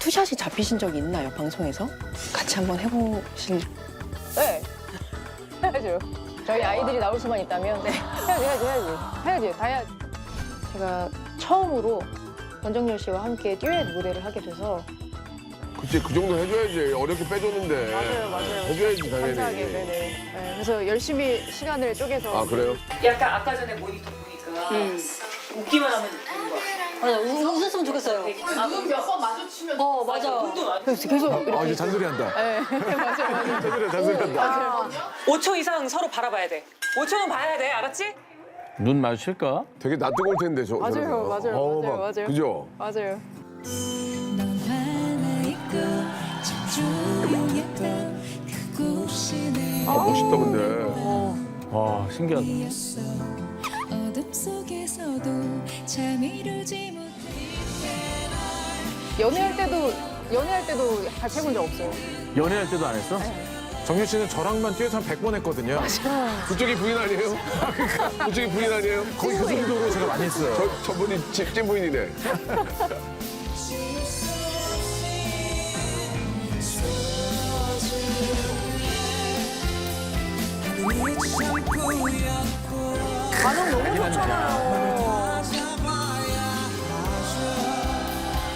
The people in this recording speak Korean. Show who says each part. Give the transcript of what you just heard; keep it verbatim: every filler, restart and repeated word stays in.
Speaker 1: 투샷이 잡히신 적이 있나요, 방송에서? 같이 한번 해보실...
Speaker 2: 네. 해야죠. 저희 아이들이 나올 수만 있다면 네. 해야지, 해야지, 해야지. 해야지, 다 해야지. 제가 처음으로 권정열 씨와 함께 듀엣 무대를 하게 돼서
Speaker 3: 그치, 그 정도 해줘야지. 어렵게 빼줬는데.
Speaker 2: 맞아요, 맞아요.
Speaker 3: 해줘야지, 당연히.
Speaker 2: 감사하게, 네네. 네, 그래서 열심히 시간을 쪼개서
Speaker 3: 아, 그래요?
Speaker 4: 약간 아까 전에 모니터 보니까 웃기만 하면 웃기는 거야.
Speaker 5: 맞아, 웃- 웃었으면 좋겠어요.
Speaker 6: 눈 몇 번 마주치면
Speaker 5: 어, 맞아.
Speaker 2: 그래서 계속 이렇게
Speaker 7: 아, 이제 잔소리 한다.
Speaker 2: 네, 맞아요, 맞아요.
Speaker 7: 잔소리, 잔소리 한다.
Speaker 4: 오 초 이상 서로 바라봐야 돼. 오 초는 봐야 돼, 알았지?
Speaker 8: 눈 마주칠까?
Speaker 3: 되게 낯뜨거울 텐데, 저.
Speaker 2: 맞아요,
Speaker 3: 저러면.
Speaker 2: 맞아요,
Speaker 3: 어,
Speaker 2: 맞아요,
Speaker 3: 막,
Speaker 2: 맞아요.
Speaker 3: 그죠?
Speaker 2: 맞아요.
Speaker 9: 넌 하나 있고 집중했던 그곳이 내
Speaker 3: 아, 멋있다, 근데.
Speaker 8: 와, 신기하다.
Speaker 9: 이었어. 어둠 속에서도 참 이루지 못해
Speaker 2: 연애할 때도 연애할 때도 같이 해본 적 없어요.
Speaker 8: 연애할 때도 안 했어?
Speaker 7: 정유 씨는 저랑만 듀엣 한 백 번 했거든요.
Speaker 3: 그쪽이 부인 아니에요? 그쪽이 부인 아니에요?
Speaker 7: 거의 그 정도로 제가 많이 했어요.
Speaker 3: 저, 저분이 찐, 찐 부인이네.
Speaker 2: 반응 너무 좋잖아요.